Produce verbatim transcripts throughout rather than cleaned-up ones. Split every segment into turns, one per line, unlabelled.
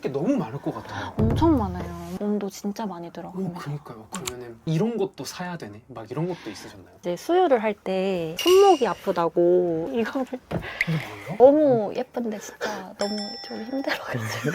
게 너무 많을 것 같아요.
엄청 많아요. 몸도 진짜 많이
오,
들어갑니다.
그러니까요. 그러면은 이런 것도 사야 되네. 막 이런 것도 있으셨나요?
이제 수유를 할 때 손목이 아프다고 이거를
이게 뭐예요?
너무 예쁜데 진짜 너무 좀 힘들어가지고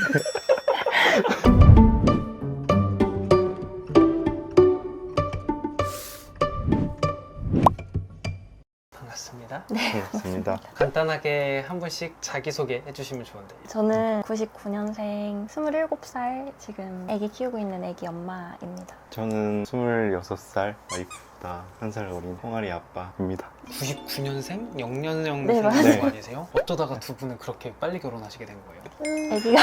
반갑습니다.
네,
반갑습니다.
간단하게 한 분씩 자기소개 해주시면 좋은데.
저는 구십구 년생 스물일곱 살 지금 아기 키우고 있는 아기 엄마입니다.
저는 스물여섯 살 와이프보다 한 살 어린 홍아리 아빠입니다.
구십구 년생? 영년생생
네,
맞아요.
네. 아니세요? 어쩌다가 두 분은 그렇게 빨리 결혼하시게 된 거예요?
아기가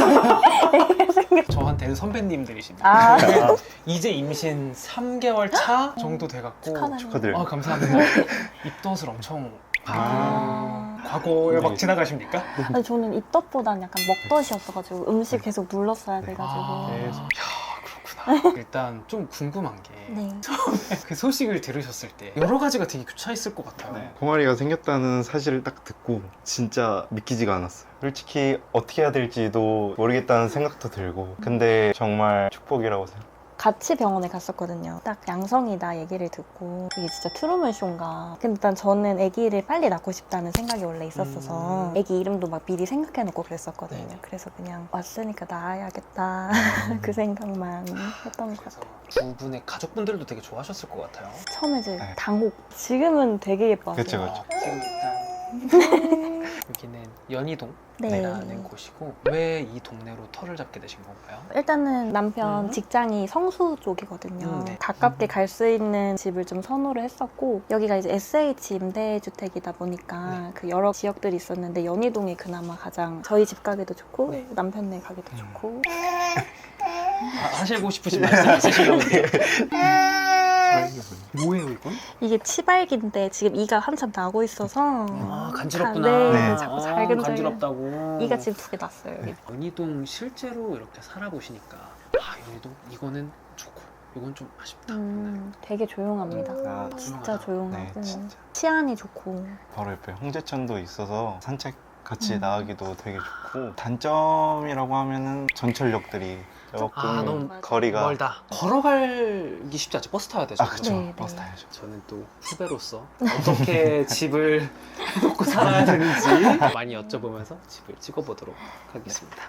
저한테는 선배님들이십니다.
아,
이제 임신 삼 개월 차 정도 돼갖고
축하드립니다.
축하드려요.
아, 감사합니다. 입덧을 엄청
아.
과거에 막
네.
지나가십니까?
아니, 저는 입덧보다는 약간 먹덧이었어가지고 음식 계속 눌렀어야 돼가지고
아,
계속.
야, 그렇구나. 일단 좀 궁금한 게
네.
그 소식을 들으셨을 때 여러 가지가 되게 교차했을 것 같아요.
네. 홍아리가 생겼다는 사실을 딱 듣고 진짜 믿기지가 않았어요. 솔직히 어떻게 해야 될지도 모르겠다는 생각도 들고 근데 정말 축복이라고 생각해요.
같이 병원에 갔었거든요. 딱 양성이다 얘기를 듣고 이게 진짜 트루먼 쇼인가. 근데 일단 저는 아기를 빨리 낳고 싶다는 생각이 원래 있었어서
음.
아기 이름도 막 미리 생각해놓고 그랬었거든요.
네.
그래서 그냥 왔으니까 낳아야겠다 그 생각만 했던 것
그래서
같아요.
두 분의 가족분들도 되게 좋아하셨을 것 같아요.
처음에 이제
네.
당혹. 지금은 되게 예뻐하세요.
그쵸, 그쵸.
어, 지금 일단 여기는 연희동
네.
라는 곳이고 왜 이 동네로 터를 잡게 되신 건가요?
일단은 남편
음.
직장이 성수 쪽이거든요.
음, 네.
가깝게
음.
갈 수 있는 집을 좀 선호를 했었고 여기가 이제 에스에이치 임대주택이다 보니까
네.
그 여러 지역들이 있었는데 연희동이 그나마 가장 저희 집 가기도 좋고
네.
남편네 가기도
음.
좋고
아, 하시고 싶으신 말씀 있으신가 본데요? 뭐예요 이건?
이게 치발기인데 지금 이가 한참 나고 있어서
아, 간지럽구나.
네,
네.
자꾸
아,
살금살금
간지럽다고.
이가 지금 두 개 났어요. 여기.
연희동 실제로 이렇게 살아보시니까 아, 연희동 이거는 좋고 이건 좀 아쉽다.
음, 되게 조용합니다.
아,
진짜
조용하다.
조용하고
네, 진짜.
치안이 좋고
바로 옆에 홍제천도 있어서 산책 같이
음.
나가기도 되게 좋고 단점이라고 하면은 전철역들이 조금
아, 너무
거리가
멀다. 걸어가기 쉽지 않죠. 버스 타야 되죠.
아 그쵸
네,
버스
네.
타야죠.
저는 또 후배로서 어떻게 집을 해놓고 살아야 되는지 많이 여쭤보면서 집을 찍어보도록 하겠습니다.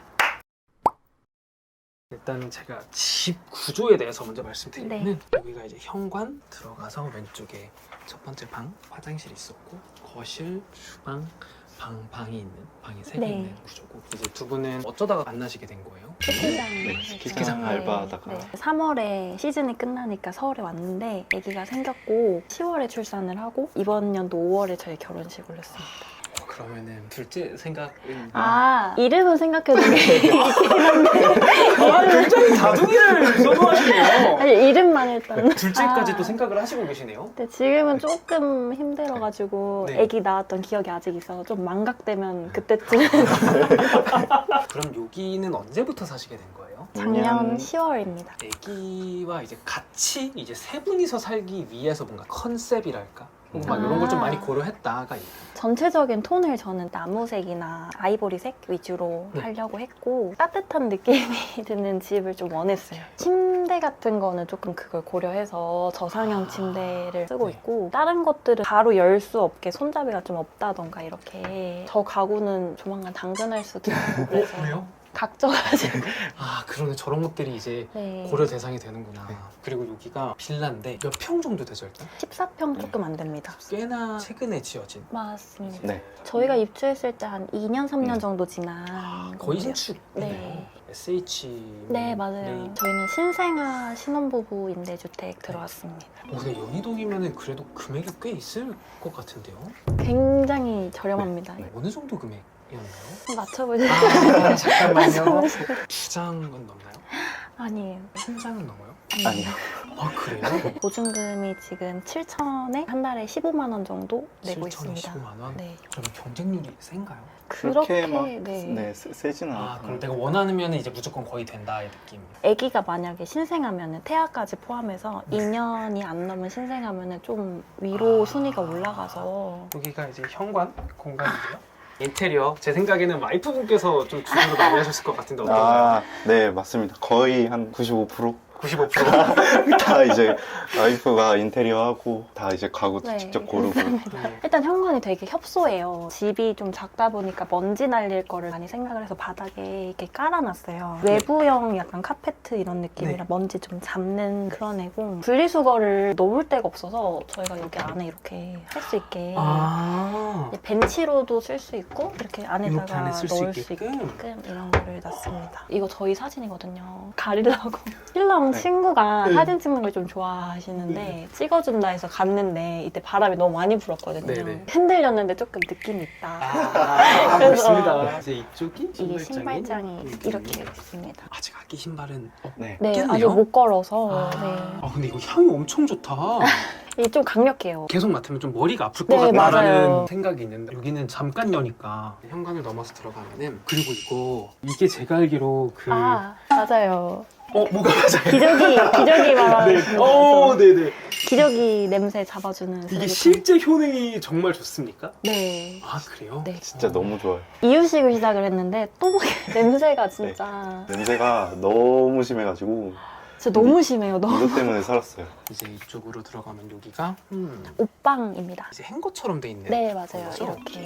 일단 제가 집 구조에 대해서 먼저 말씀드리면
네.
여기가 이제 현관 들어가서 왼쪽에 첫 번째 방 화장실이 있었고 거실, 주방, 방, 방이 있는 방이 세 개
네.
있는 구조고 이제 두 분은 어쩌다가 만나시게 된 거예요?
스키장
네, 스키장 알바하다가.
삼월에 시즌이 끝나니까 서울에 왔는데 아기가 생겼고 시월에 출산을 하고 이번 연도 오월에 저희 결혼식을 했습니다.
어, 그러면은 둘째 생각은
아 이름은 생각해둔 게 있긴 한데
아, 굉장히 다둥이를 선호하시네요.
아니 이름만 일단
둘째까지
아.
또 생각을 하시고 계시네요.
근데 지금은 조금 힘들어가지고
네.
아기 낳았던 기억이 아직 있어서 좀 망각되면 그때쯤
그럼 여기는 언제부터 사시게 된 거예요?
작년
작년
시월입니다.
아기와 이제 같이 이제 세 분이서 살기 위해서 뭔가 컨셉이랄까? 혹은 막
아.
이런 걸 좀 많이 고려했다가 있나요?
전체적인 톤을 저는 나무색이나 아이보리색 위주로
네.
하려고 했고 따뜻한 느낌이 드는 집을 좀 원했어요. 침대 같은 거는 조금 그걸 고려해서 저상형
아.
침대를 쓰고
네.
있고 다른 것들은 바로 열 수 없게 손잡이가 좀 없다던가 이렇게 저 가구는 조만간 당근할 수도 있고 그래서
어, 그래요?
각져가지고
아, 그러네. 저런 것들이 이제
네.
고려 대상이 되는구나.
네.
그리고 여기가 빌라인데 몇 평 정도 되죠, 일단?
십사 평 조금 안 됩니다.
꽤나 최근에 지어진.
맞습니다.
네.
저희가 입주했을 때 한 이 년, 삼 년
음.
정도 지난
거의
거고요.
신축이네요.
네.
에스에이치.
네, 맞아요. 저희는 신생아 신혼부부 임대주택 들어왔습니다.
어, 근데 연희동이면은 그래도 금액이 꽤 있을 것 같은데요?
굉장히 저렴합니다.
네.
어느 정도 금액이었나요?
맞춰보세요.
아, 잠깐만요.
맞춰보세요.
두 장은 넘나요?
아니에요.
한 장은 넘어요?
아니요.
아, 그래요?
보증금이 지금 칠천에 한 달에 십오만 원 정도 내고
칠천에
있습니다.
십오만 원?
네.
그러면 경쟁률이 센가요?
그렇게
막
네.
네, 세- 세진 않아요.
아, 그럼 내가 원하면 이제 무조건 거의 된다 이 느낌.
아기가 만약에 신생하면은 태아까지 포함해서 이 년이 안 넘은 신생하면은 좀 위로
아.
순위가 올라가서
여기가 이제 현관 공간이고요. 인테리어 제 생각에는 와이프분께서 좀 주도를 많이 하셨을 것 같은데 어떤가요?
아, 네, 맞습니다. 거의 한 구십오 퍼센트?
구십오 퍼센트?
다 이제 와이프가 인테리어하고 다 이제 가구
네,
직접 고르고.
네.
일단 현관이 되게 협소해요. 집이 좀 작다 보니까 먼지 날릴 거를 많이 생각을 해서 바닥에 이렇게 깔아놨어요. 외부형 약간 카페트 이런 느낌이라
네.
먼지 좀 잡는 그런 애고 분리수거를 놓을 데가 없어서 저희가 여기 안에 이렇게 할 수 있게
아
벤치로도 쓸 수 있고 이렇게
이렇게
안에다가
안에 쓸 수
넣을 수
있게끔?
있게끔 이런 거를 놨습니다. 이거 저희 사진이거든요. 가리려고. 신랑
네.
친구가
네.
사진 찍는 걸 좀 좋아하시는데
네.
찍어준다 해서 갔는데 이때 바람이 너무 많이 불었거든요.
네네.
흔들렸는데 조금 느낌이 있다.
아,
그래서
멋있습니다. 이제 이쪽이
이게
신발장이,
신발장이
음.
이렇게 있습니다.
아직 아기 신발은 어,
네.
네,
있겠네요?
아직 못 걸어서
아,
네.
아, 근데 이거 향이 엄청 좋다.
이게 좀 강력해요.
계속 맡으면 좀 머리가 아플 것
네,
같다라는
맞아요.
생각이 있는데 여기는 잠깐 여니까 현관을 넘어서 들어가면은 그리고 이거 이게 제가 알기로 그
아, 맞아요.
어 뭐가 맞아요?
기저귀, 기저귀 말하는
네.
거.
어, 네네.
기저귀 냄새 잡아주는
이게
쓰레기통.
실제 효능이 정말 좋습니까?
네.
아 그래요?
네.
진짜 너무 좋아요.
이유식을 시작을 했는데 또 냄새가 진짜
냄새가 너무 심해가지고
진짜 너무 심해요. 너무.
이것 때문에 살았어요.
이제 이쪽으로 들어가면 여기가 음,
옷방입니다.
이제 행거처럼 돼 있네요.
네, 맞아요.
그렇죠?
이렇게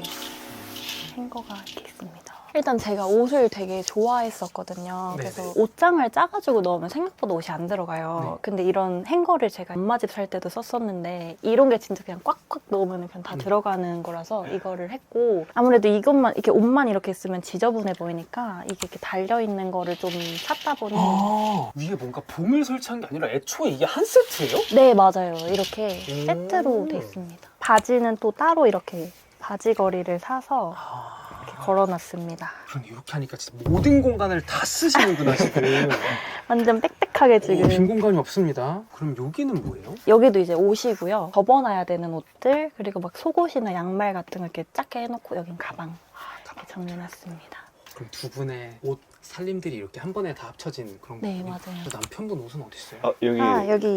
행거가 이렇게 있습니다. 일단 제가 옷을 되게 좋아했었거든요.
네네.
그래서 옷장을 짜가지고 넣으면 생각보다 옷이 안 들어가요.
네.
근데 이런 행거를 제가 엄마 집 살 때도 썼었는데 이런 게 진짜 그냥 꽉꽉 넣으면 그냥 다
음.
들어가는 거라서 이거를 했고 아무래도 이것만 이렇게 옷만 이렇게 있으면 지저분해 보이니까 이게 이렇게 달려 있는 거를 좀 찾다 보니
아 위에 뭔가 봉을 설치한 게 아니라 애초에 이게 한 세트예요?
네, 맞아요. 이렇게
음.
세트로 돼 있습니다. 바지는 또 따로 이렇게 바지걸이를 사서
아
이렇게 걸어놨습니다.
그럼 이렇게 하니까 진짜 모든 공간을 다 쓰시는구나 지금.
완전 빽빽하게
오, 빈
지금.
공간이 없습니다. 그럼 여기는 뭐예요?
여기도 이제 옷이고요. 접어놔야 되는 옷들, 그리고 막 속옷이나 양말 같은 거 이렇게 작게 해놓고 여긴 가방 이렇게 정리해놨습니다.
그럼 두 분의 옷 살림들이 이렇게 한 번에 다 합쳐진 그런
네,
거군요?
맞아요.
그 남편분 옷은 어디 있어요?
아, 여기
아, 여기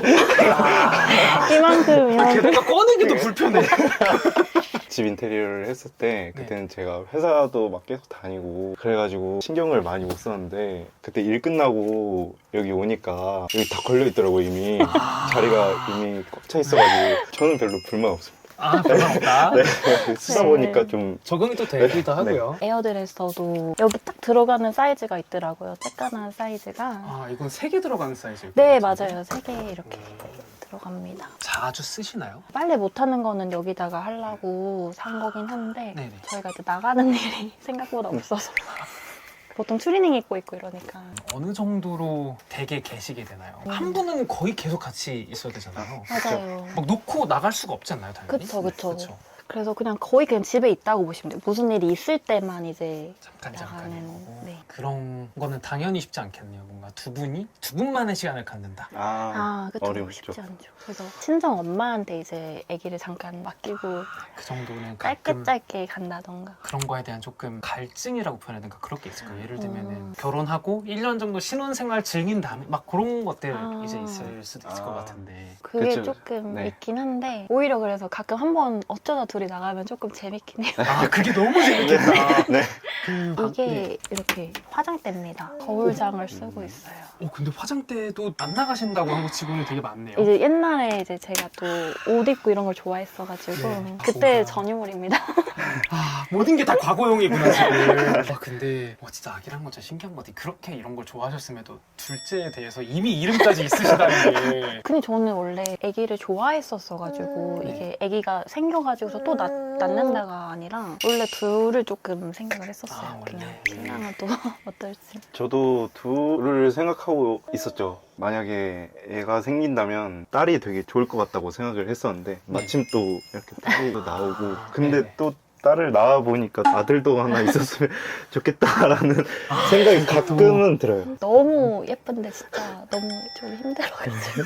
아,
이만큼, 이만큼.
게다가 꺼내기도 불편해.
집 인테리어를 했을 때 그때는 제가 회사도 막 계속 다니고 그래가지고 신경을 많이 못 썼는데 그때 일 끝나고 여기 오니까 여기 다 걸려 있더라고요 이미.
아.
자리가 이미 꽉 차 있어가지고 저는 별로 불만 없습니다.
아, 별로 없다.
네. 쓰다
네.
보니까 좀
적응이 또 되기도 하고요.
에어드레서도 여기 딱 들어가는 사이즈가 있더라고요. 쬐깐한 사이즈가.
아, 이건 세 개 들어가는 사이즈예요?
네, 맞아요. 세 개 이렇게 들어갑니다.
자주 쓰시나요?
빨래 못하는 거는 여기다가 하려고 산 거긴 한데
네네.
저희가 이제 나가는 일이 생각보다 없어서 보통 추리닝 입고 있고 이러니까
어느 정도로 댁에 계시게 되나요?
음.
한 분은 거의 계속 같이 있어야 되잖아요.
맞아요.
막 놓고 나갈 수가 없잖아요, 당연히.
그쵸, 그쵸.
그쵸.
그래서 그냥 거의 그냥 집에 있다고 보시면 돼요. 무슨 일이 있을 때만 이제
잠깐 잠깐인
나가는,
거고.
네.
그런 거는 당연히 쉽지 않겠네요. 뭔가 두 분이 두 분만의 시간을 갖는다.
아,
아, 그쵸.
어렵죠.
쉽지 않죠. 그래서 친정 엄마한테 이제 아기를 잠깐 맡기고
그 정도는
짧게
가끔
짧게 간다던가.
그런 거에 대한 조금 갈증이라고 표현해야 되나 그럴 게 있을 거예요. 예를 들면은
음.
결혼하고 일 년 정도 신혼생활 즐긴 다음에 막 그런 것들
아.
이제 있을 수도 있을
아.
것 같은데.
그게
그쵸.
조금
네.
있긴 한데 오히려 그래서 가끔 한번 어쩌다 둘이 나가면 조금 재밌긴 해요.
아 그게 너무 재밌겠다.
네.
그 방-
이게
네.
이렇게 화장대입니다. 거울장을 쓰고
음.
있어요.
어 근데 화장대도 안 나가신다고 한 거 치고는 되게 많네요.
이제 옛날에 이제 제가 또 옷 입고 이런 걸 좋아했어가지고
네.
그때
뭐가.
전유물입니다.
아 모든 게 다 과거형이구나 지금. 아 근데 와 진짜 아기란 건 진짜 신기한 것 같아. 그렇게 이런 걸 좋아하셨음에도 둘째에 대해서 이미 이름까지 있으시다는 게.
근데 저는 원래 아기를 좋아했었어가지고
네.
이게 아기가 생겨가지고서 또 낳, 낳는다가 아니라 원래 둘을 조금 생각을 했었어요.
아, 원래.
그냥 신랑은 또 어떨지.
저도 둘을 생각하고 있었죠. 만약에 애가 생긴다면 딸이 되게 좋을 것 같다고 생각을 했었는데 마침 또 이렇게 딸이 나오고
아,
근데
네네.
또 딸을 낳아 보니까 아들도 하나 있었으면 좋겠다라는 생각이 가끔은 들어요.
너무 예쁜데 진짜 너무 좀 힘들어가지고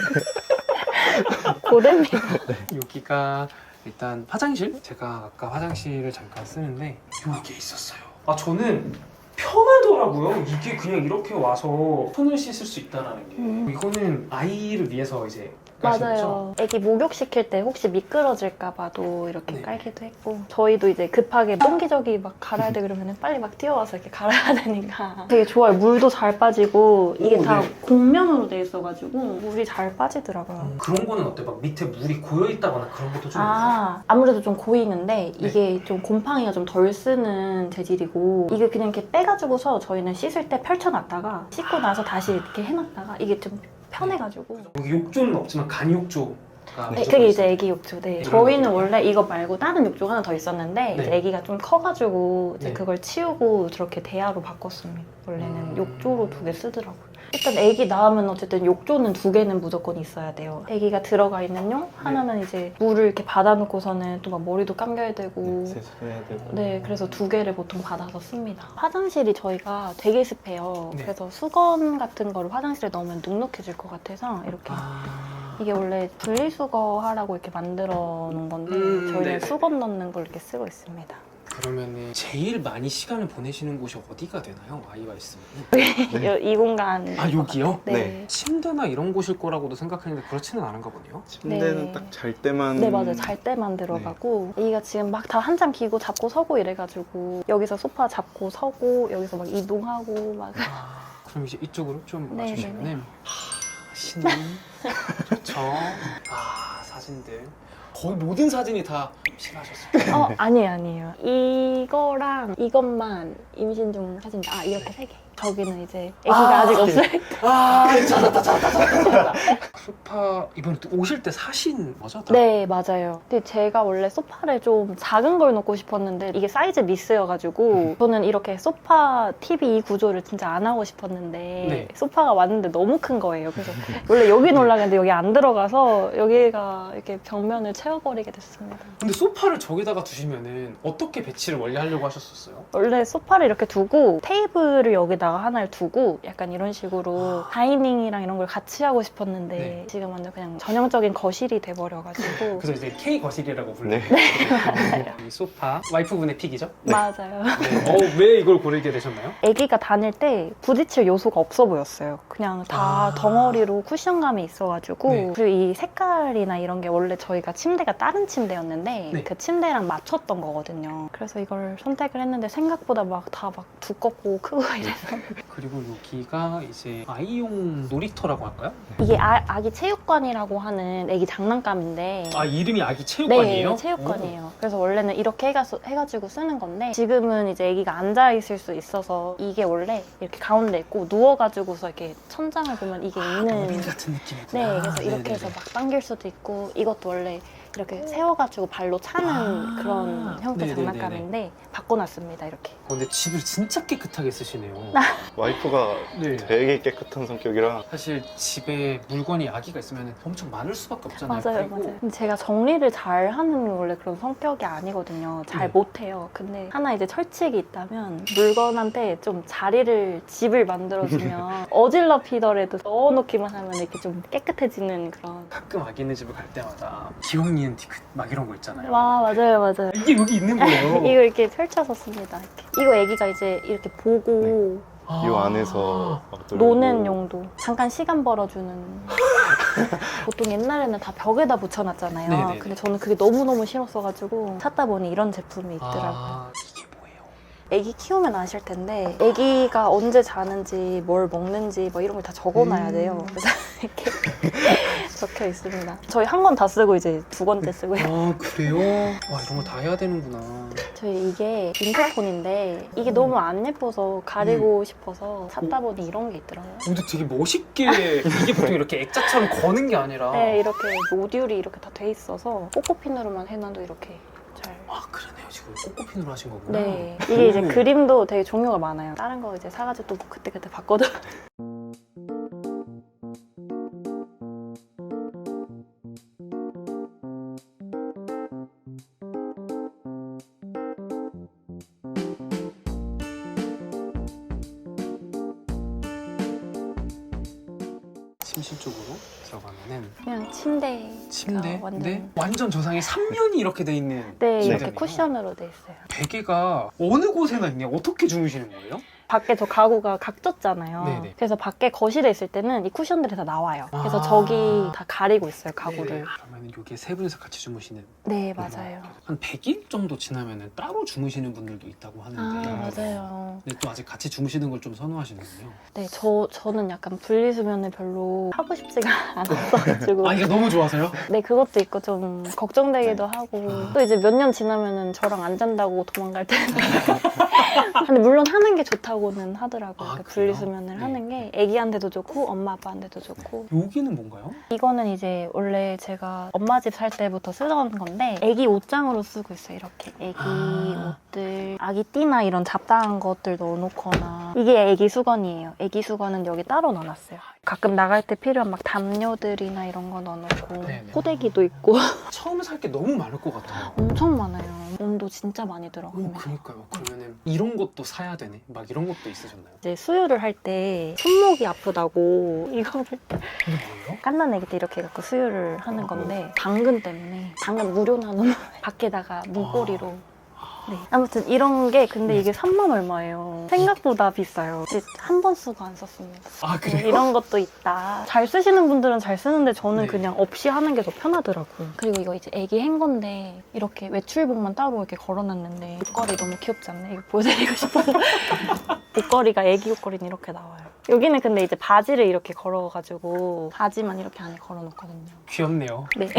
고됩니다.
여기가 일단 화장실? 제가 아까 화장실을 잠깐 쓰는데 여기에 있었어요. 아 저는 편하더라고요. 이게 그냥 이렇게 와서 손을 씻을 수 있다는 게.
음.
이거는 아이를 위해서 이제 까신 거죠?
맞아요. 애기 목욕시킬 때 혹시 미끄러질까봐도 이렇게
네.
깔기도 했고 저희도 이제 급하게 똥기저귀 막 갈아야 돼 그러면 빨리 막 뛰어와서 이렇게 갈아야 되니까 되게 좋아요. 물도 잘 빠지고 이게
오,
다
네.
곡면으로 돼 있어가지고 물이 잘 빠지더라고요.
음, 그런 거는 어때? 막 밑에 물이 고여 있다거나 그런 것도 좀 있어요?
아, 아무래도 좀 고이는데
네.
이게 좀 곰팡이가 좀 덜 쓰는 재질이고 이게 그냥 이렇게 빼가지고서 저희는 씻을 때 펼쳐놨다가 씻고 나서 다시 이렇게 해놨다가 이게 좀 편해가지고
여기 욕조는 없지만 간욕조가
네,
무조건
그게
있어요.
이제 애기 욕조. 네.
네.
저희는 원래 이거 말고 다른 욕조가 하나 더 있었는데
네.
이제 애기가 좀 커가지고 이제
네.
그걸 치우고 저렇게 대야로 바꿨습니다. 원래는
음.
욕조로 두 개 쓰더라고요. 일단 애기 낳으면 어쨌든 욕조는 두 개는 무조건 있어야 돼요. 애기가 들어가 있는 용 하나는 이제 물을 이렇게 받아놓고서는 또 막 머리도 감겨야 되고
세수해야 되고.
네, 그래서 두 개를 보통 받아서 씁니다. 화장실이 저희가 되게 습해요.
네.
그래서 수건 같은 거를 화장실에 넣으면 눅눅해질 것 같아서 이렇게
아...
이게 원래 분리수거 하라고 이렇게 만들어 놓은 건데
음,
저희는
네네.
수건 넣는 걸 이렇게 쓰고 있습니다.
그러면은 제일 많이 시간을 보내시는 곳이 어디가 되나요? 아이가 있으면.
네.
이, 이 공간.
아 여기요?
네.
네.
침대나 이런 곳일 거라고도 생각했는데 그렇지는 않은가 보네요.
침대는
네.
딱 잘 때만.
네, 맞아요. 잘 때만 들어가고 애기가 지금 막 다 한참 기고 잡고 서고 이래가지고 여기서 소파 잡고 서고 여기서 막 이동하고 막
아, 그럼 이제 이쪽으로 좀
네,
와주시면은
네, 네.
하, 신나 좋죠. 아 사진들 거의 모든 사진이 다 실하셨어요.
어, 아니에요, 아니에요. 이거랑 이것만 임신 중 사진. 아, 이렇게 세 개. 저기는 이제 애기가
아,
아, 직
네.
없을
아 찾았다 찾았다 찾았다 찾았다. 소파 이번 오실 때 사신 거죠? 다?
네, 맞아요. 근데 제가 원래 소파를 좀 작은 걸 놓고 싶었는데 이게 사이즈 미스여가지고 저는 이렇게 소파 티비 이 구조를 진짜 안 하고 싶었는데
네.
소파가 왔는데 너무 큰 거예요. 그래서 원래 여기 놀라는데 여기 안 들어가서 여기가 이렇게 벽면을 채워버리게 됐습니다.
근데 소파를 저기다가 두시면은 어떻게 배치를 원래 하려고 하셨었어요?
원래 소파를 이렇게 두고 테이블을 여기다가 하나를 두고 약간 이런 식으로 다이닝이랑 이런 걸 같이 하고 싶었는데
네.
지금 완전 그냥 전형적인 거실이 돼버려가지고
그래서 이제 K 거실이라고 불러요.
네.
이 소파 와이프분의 픽이죠?
맞아요.
네. 어, 왜 이걸 고르게 되셨나요?
아기가 다닐 때 부딪힐 요소가 없어 보였어요. 그냥 다
아.
덩어리로 쿠션감이 있어가지고
네.
그리고 이 색깔이나 이런 게 원래 저희가 침대가 다른 침대였는데
네.
그 침대랑 맞췄던 거거든요. 그래서 이걸 선택을 했는데 생각보다 막 다 막 두껍고 크고 이래서
그리고 여기가 이제 아이용 놀이터라고 할까요?
이게 아, 아기 체육관이라고 하는 아기 장난감인데
아 이름이 아기 체육관이에요?
네, 체육관이에요. 그래서 원래는 이렇게 해가, 해가지고 쓰는 건데 지금은 이제 아기가 앉아 있을 수 있어서 이게 원래 이렇게 가운데 있고 누워가지고서 이렇게 천장을 보면 이게
아,
있는
로빈 같은 느낌이구나.
네, 그래서 이렇게
네네네.
해서 막 당길 수도 있고 이것도 원래 이렇게 세워가지고 발로 차는
아,
그런 형태
네네네네.
장난감인데 바꿔놨습니다, 이렇게.
어, 근데 집을 진짜 깨끗하게 쓰시네요.
와이프가
네.
되게 깨끗한 성격이라.
사실 집에 물건이 아기가 있으면 엄청 많을 수밖에 없잖아요.
맞아요,
그리고
맞아요. 근데 제가 정리를 잘 하는 원래 그런 성격이 아니거든요. 잘
네.
못해요. 근데 하나 이제 철칙이 있다면 물건한테 좀 자리를, 집을 만들어주면 어질러피더라도 넣어놓기만 하면 이렇게 좀 깨끗해지는 그런.
가끔 아기 있는 집을 갈 때마다 기억 니은 디귿 막 이런 거 있잖아요.
와, 맞아요, 맞아요.
이게 여기 있는 거예요.
이거 이렇게 펼쳐서 씁니다. 이렇게. 이거 애기가 이제 이렇게 보고
아.
이 안에서 막 놀고.
노는 용도. 잠깐 시간 벌어주는. 보통 옛날에는 다 벽에다 붙여놨잖아요.
네네네.
근데 저는 그게 너무너무 싫었어가지고 찾다 보니 이런 제품이 있더라고요.
아, 이게 뭐예요?
애기 키우면 아실 텐데 애기가 언제 자는지 뭘 먹는지 뭐 이런 걸 다 적어놔야 돼요.
음.
그래서 이렇게 적혀 있습니다. 저희 한 권 다 쓰고 이제 두 번째 쓰고요.
아 그래요? 와 이런 거 다 해야 되는구나.
저희 이게 인터폰인데 이게 너무 안 예뻐서 가리고 싶어서 찾다 보니 이런 게 있더라고요.
근데 되게 멋있게 이게 보통 이렇게 액자처럼 거는 게 아니라
네, 이렇게 모듈이 이렇게 다 돼 있어서 꼬꼬핀으로만 해놔도 이렇게 잘.
아 그러네요. 지금 꼬꼬핀으로 하신 거구나.
네, 이게 이제
음.
그림도 되게 종류가 많아요. 다른 거 이제 사가지고 또 그때그때 바꿔도.
침실 쪽으로 들어가면은
그냥 침대.
침대?
완전.
근데 완전 저상에 삼 면이 이렇게 돼 있는
네, 이렇게
침대네요.
쿠션으로 돼 있어요.
베개가 어느 곳에나 있냐? 어떻게 주무시는 거예요?
밖에 저 가구가 각졌잖아요.
네네.
그래서 밖에 거실에 있을 때는 이 쿠션들이 다 나와요. 그래서
아.
저기 다 가리고 있어요, 가구를.
그러면 이게 세 분이서 같이 주무시는
네, 맞아요.
한 백 일 정도 지나면 따로 주무시는 분들도 있다고
아,
하는데
맞아요.
근데 또 아직 같이 주무시는 걸 좀 선호하시는군요.
네, 저, 저는 약간 분리수면을 별로 하고 싶지가 않았어가지고.
아 이게 너무 좋아서요?
네, 그것도 있고 좀 걱정되기도 하고.
아.
또 이제 몇 년 지나면은 저랑 안 잔다고 도망갈 때는. 근데 물론 하는 게 좋다고는 하더라고요.
아,
그
그래요?
분리수면을
네.
하는 게 애기한테도 좋고 엄마 아빠한테도 좋고.
여기는 뭔가요?
이거는 이제 원래 제가 엄마 집 살 때부터 쓰던 건데 애기 옷장으로 쓰고 있어요. 이렇게 애기
아.
옷들, 아기 띠나 이런 잡다한 것들 넣어놓거나. 이게 애기 수건이에요. 애기 수건은 여기 따로 넣어놨어요. 가끔 나갈 때 필요한 막 담요들이나 이런 거 넣어놓고
네네.
포대기도 있고
처음 살 게 너무 많을 것 같아요.
엄청 많아요. 돈도 진짜 많이 들어요.
오, 그니까요. 그러면은 이런 것도 사야 되네. 막 이런 것도 있으셨나요?
이제 수유를 할 때 손목이 아프다고 이거를
이게 뭐예요?
갓난 애기 때 이렇게 갖고 수유를 하는 건데 당근 때문에 당근 무료 나누면 밖에다가 문고리로 네. 아무튼 이런 게 근데 이게 삼만 얼마예요. 생각보다 비싸요. 이제 한 번 쓰고 안 썼습니다.
아
네,
그래요?
이런 것도 있다. 잘 쓰시는 분들은 잘 쓰는데 저는
네.
그냥 없이 하는 게 더 편하더라고요. 그리고 이거 이제 애기 행 건데 이렇게 외출복만 따로 이렇게 걸어놨는데 옷걸이 너무 귀엽지 않나요? 이거 보여드리고 싶어서 옷걸이가 애기 옷걸이는 이렇게 나와요. 여기는 근데 이제 바지를 이렇게 걸어가지고 바지만 이렇게 안에 걸어놓거든요.
귀엽네요.
네.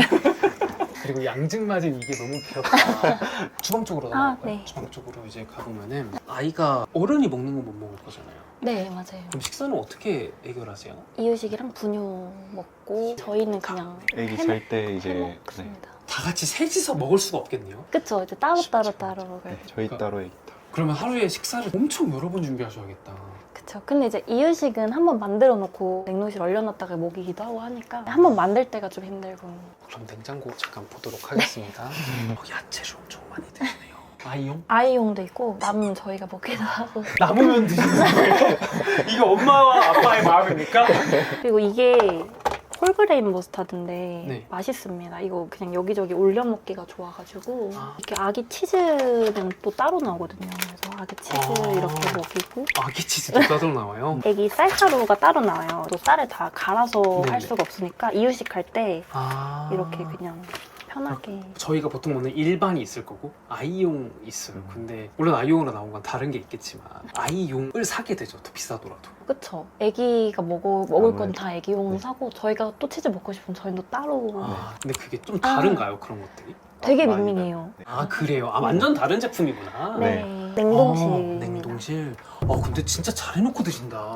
그리고 양증맞은 이게 너무 귀엽다. 주방 쪽으로
아,
나갈까요?
네.
주방 쪽으로 이제 가보면은 아이가 어른이 먹는 건 못 먹을 거잖아요.
네, 맞아요.
그럼 식사는 어떻게 해결하세요?
이유식이랑 분유 먹고 저희는 그냥
애기
해
잘 때 이제 네,
먹습니다.
다 같이 셋이서 먹을 수가 없겠네요.
그쵸? 이제 따로따로
쉽지
따로
않죠.
먹어요.
네, 저희 따로 애기 따로.
그러면 하루에 식사를 엄청 여러 번 준비하셔야겠다.
그쵸. 근데 이제 이유식은 한번 만들어 놓고 냉동실 얼려놨다가 먹이기도 하고 하니까 한번 만들 때가 좀 힘들고.
그럼 냉장고 잠깐 보도록 하겠습니다. 어, 야채를 엄청 많이 드시네요. 아이용?
아이용도 있고 남으면 저희가 먹기도 하고.
남으면 드시는 거예요? 이게 엄마와 아빠의 마음입니까?
그리고 이게 홀그레인 머스타드인데
네.
맛있습니다. 이거 그냥 여기저기 올려 먹기가 좋아가지고
아.
이렇게 아기 치즈는 또 따로 나오거든요. 그래서 아기 치즈
아.
이렇게 먹이고
아기 치즈도 따로 나와요?
애기 쌀가루가 따로 나와요. 또 쌀을 다 갈아서
네네.
할 수가 없으니까 이유식 할 때
아.
이렇게 그냥 편하게.
저희가 보통 먹는 일반이 있을 거고 아이용 있어요. 근데 물론 아이용으로 나온 건 다른 게 있겠지만 아이용을 사게 되죠. 더 비싸더라도.
그쵸. 애기가 먹어, 먹을 건
아무래도.
다 애기용
네.
사고 저희가 또 치즈 먹고 싶으면 저희는 또 따로.
아, 근데 그게 좀 다른가요? 그런 것들이?
되게
많이
밍밍해요.
네.
아 그래요? 아 완전 다른 제품이구나.
네.
네.
냉동실입니다.
아, 냉동실. 어 근데 진짜 잘 해놓고 드신다.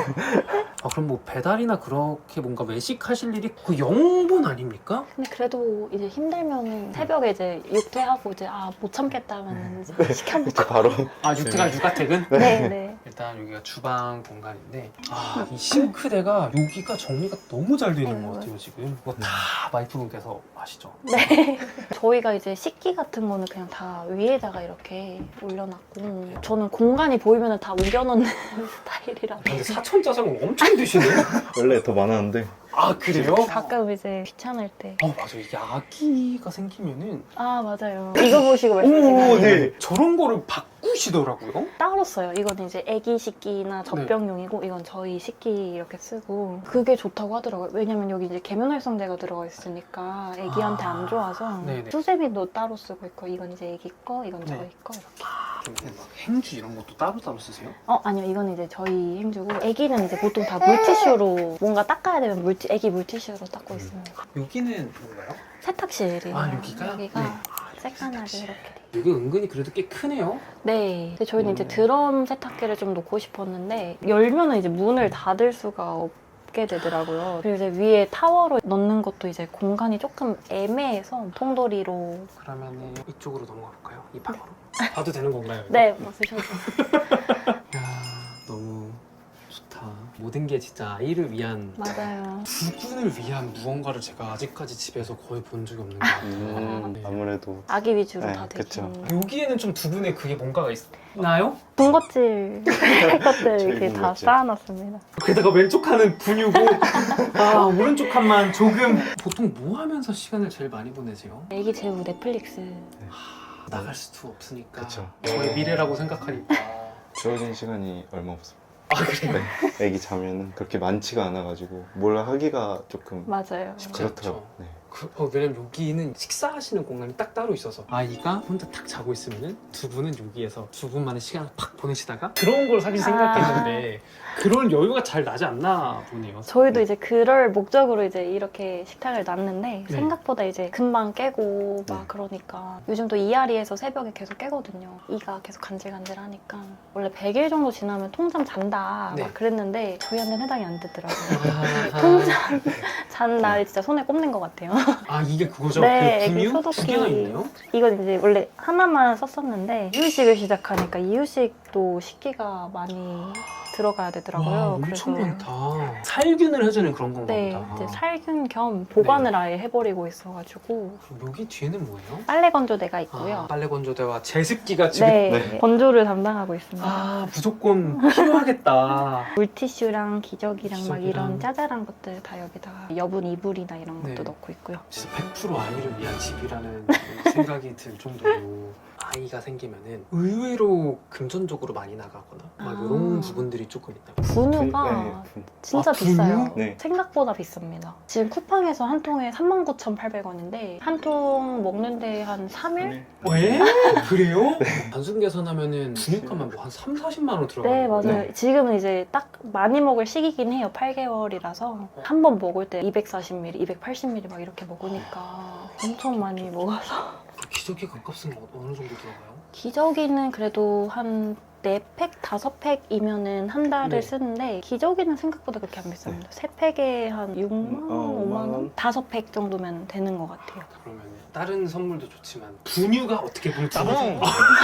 아 그럼 뭐 배달이나 그렇게 뭔가 외식하실 일이 그 영본 아닙니까?
근데 그래도 이제 힘들면 새벽에 이제 육퇴하고 이제 아 못 참겠다 하면 이제 시켜 먹고.
그쵸, 바로.
아 육퇴가 육아택은?
네, 네.
일단 여기가 주방 공간인데 아 이 싱크대가 여기가 정리가 너무 잘 되어 있는 것 같아요 지금. 이거 다 와이프분께서 하시죠?
네. 저희가 이제 식기 같은 거는 그냥 다 위에다가 이렇게 올려놨고 저는 공간이 보이면 다 우겨놓는 스타일이라.
근데 사천 짜장은 엄청 드시네.
원래 더 많았는데.
아 그래요?
가끔 이제 귀찮을 때.
어 맞아 이게 아기가 생기면은
아 맞아요. 이거 보시고 말씀하신
오,
거예요.
네. 저런 거를 바꾸시더라고요.
따로 써요. 이거는 이제 애기 식기나 젖병용이고 이건 저희 식기 이렇게 쓰고 그게 좋다고 하더라고요. 왜냐면 여기 이제 계면활성제가 들어가 있으니까 애기한테 안 좋아서
네네.
수세미도 따로 쓰고 있고 이건 이제 애기 거, 이건 저희
네.
거 이렇게.
그럼 막 행주 이런 것도 따로따로 쓰세요?
어 아니요 이거는 이제 저희 행주고 애기는 이제 보통 다 물티슈로 뭔가 닦아야 되면 물티, 애기 물티슈로 닦고 있습니다.
여기는 뭔가요?
세탁실이에요.
아 여기가?
여기가
네.
새까맣게 이렇게 돼.
여기 은근히 그래도 꽤 크네요.
네. 근데 저희는 이제
음.
드럼 세탁기를 좀 놓고 싶었는데 열면은 이제 문을 닫을 수가 없게 되더라고요. 그리고 이제 위에 타워로 넣는 것도 이제 공간이 조금 애매해서 통돌이로.
그러면은 이쪽으로 넘어가 볼까요? 이 방으로? 봐도 되는 건가요? 이거?
네, 맞으셔도.
야 너무 좋다. 모든 게 진짜 아이를 위한
맞아요.
두 분을 위한 무언가를 제가 아직까지 집에서 거의 본 적이 없는 것 같아요.
음,
네.
아무래도.
아기 위주로
네,
다
그쵸.
되긴.
여기에는 좀 두 분의 그게 뭔가가 있나요?
군것질 할 것들
저희
이렇게 다
군것질.
쌓아놨습니다.
게다가 왼쪽 칸은 분유고 아 오른쪽 칸만 조금. 보통 뭐 하면서 시간을 제일 많이 보내세요?
애기 재우 넷플릭스.
나갈 수도 없으니까
그쵸.
저의 미래라고 생각하니까
주어진 시간이 얼마 없어요.
아 그래요?
네, 애기 자면은 그렇게 많지가 않아가지고 뭘 하기가 조금
맞아요.
그렇더라고요. 네.
그, 어, 왜냐면 여기는 식사하시는 공간이 딱 따로 있어서 아이가 혼자 탁 자고 있으면은 두 분은 여기에서 두 분만의 시간을 팍 보내시다가 그런 걸 사실
아.
생각했는데 그런 여유가 잘 나지 않나 보네요.
저희도
네.
이제 그럴 목적으로 이제 이렇게 식탁을 놨는데
네.
생각보다 이제 금방 깨고 막
네.
그러니까 요즘 또 이앓이에서 새벽에 계속 깨거든요. 이가 계속 간질간질하니까 원래 백 일 정도 지나면 통잠 잔다
네.
막 그랬는데 저희한테는 해당이 안 되더라고요.
아,
통잠 잔 날이 진짜 손에 꼽는 것 같아요.
아 이게 그거죠?
네,
그
애기
분유 두
소독기.
개나 있네요?
이건 이제 원래 하나만 썼었는데 이유식을 시작하니까 이유식도 식기가 많이 들어가야 되더라고요.
와 엄청 많다. 살균을 해주는 그런 건가
네,
보다.
이제 살균 겸 보관을 아예 해버리고 있어가지고
그럼 여기 뒤에는 뭐예요?
빨래 건조대가 있고요.
아, 빨래 건조대와 제습기가 지금
네,
네.
건조를 담당하고 있습니다.
아 무조건 필요하겠다.
물티슈랑 기저귀랑 막
기저귀랑.
이런 짜잘한 것들 다 여기다가 여분 이불이나 이런 것도
네.
넣고 있고요.
진짜 백 퍼센트 아이를 위한 집이라는 생각이 들 정도로 아이가 생기면은 의외로 금전적으로 많이 나가거나 막
아.
이런 부분들이 조금 있다.
분유가
네.
진짜
아,
비싸요.
분유?
네.
생각보다 비쌉니다. 지금 쿠팡에서 한 통에 삼만 구천팔백 원인데 한 통 먹는데 한 삼 일?
네.
왜? 그래요? 단순 계산하면은 분유값만 뭐 한 삼, 사십만 원 들어가요.
네, 맞아요.
네.
지금은 이제 딱 많이 먹을 시기긴 해요. 팔 개월이라서. 한 번 먹을 때 이백사십 밀리리터, 이백팔십 밀리리터 막 이렇게 먹으니까 엄청 많이 먹어서.
기저귀 값값은 어- 어느 정도 들어가요?
기저귀는 그래도 한 네 팩, 다섯 팩이면은 한 달을
네.
쓰는데 기저귀는 생각보다 그렇게 안 비쌉니다. 세 팩에 한 육만 원,
어,
오만
오만
원?
원?
다섯 팩 정도면 되는 것 같아요.
그러면 다른 선물도 좋지만 분유가 어떻게 보면 따봉!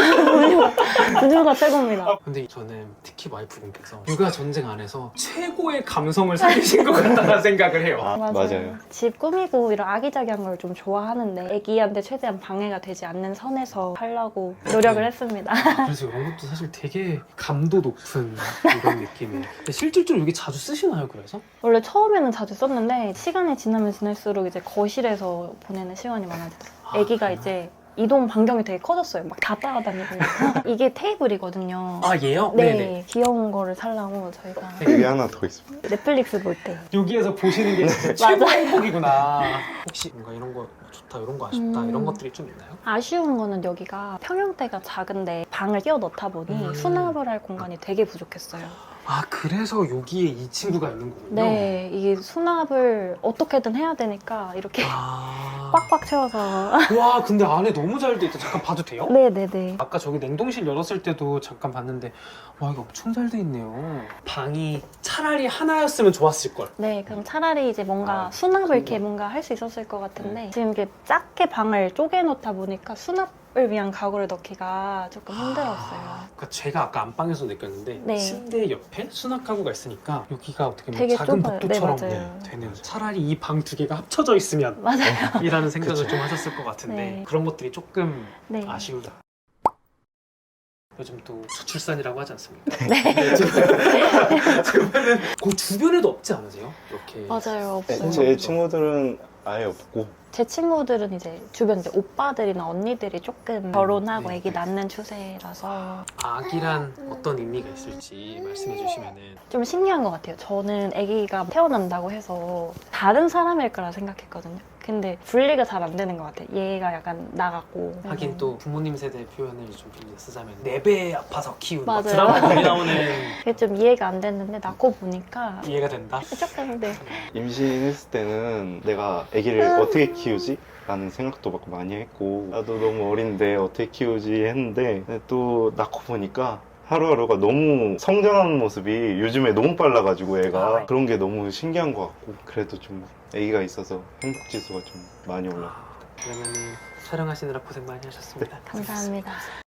분유가 최고입니다.
근데 저는 특히 와이프분께서 육아 전쟁 안에서 최고의 감성을 살리신 것 같다는 생각을 해요.
아, 맞아요.
집 꾸미고 이런 아기자기한 걸 좀 좋아하는데 아기한테 최대한 방해가 되지 않는 선에서 하려고 노력을 했습니다.
그래서 이런 것도 사실 되게 감도 높은 이런 느낌이에요. 근데 실질적으로 이게 자주 쓰시나요, 그래서?
원래 처음에는 자주 썼는데 시간이 지나면 지날수록 이제 거실에서 보내는 시간이 많아지더라고요.
아,
아기가
그래요?
이제 이동 반경이 되게 커졌어요. 막 다 따라다니고. 이게 테이블이거든요.
아, 얘요?
네,
네네.
귀여운 거를 살라고 저희가
여기 하나 더 있습니다.
넷플릭스 볼 때.
여기에서 보시는 게 진짜 최고 행복이구나. 혹시 뭔가 이런 거 좋다, 이런 거 아쉽다,
음.
이런 것들이 좀 있나요?
아쉬운 거는 여기가 평형대가 작은데 방을 끼워 넣다 보니
음.
수납을 할 공간이 되게 부족했어요.
아, 그래서 여기에 이 친구가 있는 거군요?
네, 이게 수납을 어떻게든 해야 되니까 이렇게
아.
꽉꽉 채워서.
와, 근데 안에 너무 잘 돼 있다. 잠깐 봐도 돼요?
네네네.
아까 저기 냉동실 열었을 때도 잠깐 봤는데 와, 이거 엄청 잘 돼 있네요. 방이 차라리 하나였으면 좋았을 걸.
네, 그럼 차라리 이제 뭔가
아,
수납을 이렇게
그렇구나.
뭔가 할 수 있었을 것 같은데 지금 이렇게 작게 방을 쪼개놓다 보니까 수납을 위한 가구를 넣기가 조금 힘들었어요.
그러니까 제가 아까 안방에서 느꼈는데
네.
침대 옆에 수납 가구가 있으니까 여기가 어떻게 보면
되게
작은
좁아요.
복도처럼
네, 맞아요.
되는 차라리 이 방 두 개가 합쳐져 있으면
맞아요.
이라는 생각을
그쵸.
좀 하셨을 것 같은데
네.
그런 것들이 조금
네.
아쉬우다. 요즘 또 저출산이라고 하지 않습니까?
네.
그러면은 그 주변에도 없지 않으세요? 이렇게
맞아요.
네,
없어요.
제 친구들은 아예 없고
제 친구들은 이제 주변 이제 오빠들이나 언니들이 조금 결혼하고
네.
아기 낳는 추세라서
아기란 어떤 의미가 있을지 말씀해 주시면은
좀 신기한 것 같아요. 저는 아기가 태어난다고 해서 다른 사람일 거라 생각했거든요. 근데 분리가 잘 안 되는 것 같아요. 얘가 약간 나갔고.
하긴
음.
또 부모님 세대 표현을 좀 빌려 쓰자면 네 배 아파서 키운 막
맞아요.
드라마 많이 나오는
그게 좀 이해가 안 됐는데 낳고 보니까
이해가 된다.
조금 네.
임신했을 때는 내가 아기를 어떻게 키우지? 라는 생각도 막 많이 했고 나도 너무 어린데 어떻게 키우지 했는데 근데 또 낳고 보니까 하루하루가 너무 성장하는 모습이 요즘에 너무 빨라가지고 애가 그런 게 너무 신기한 것 같고 그래도 좀 아기가 있어서 행복지수가 좀 많이 올라.
그러면은 촬영하시느라 고생 많이 하셨습니다.
감사합니다.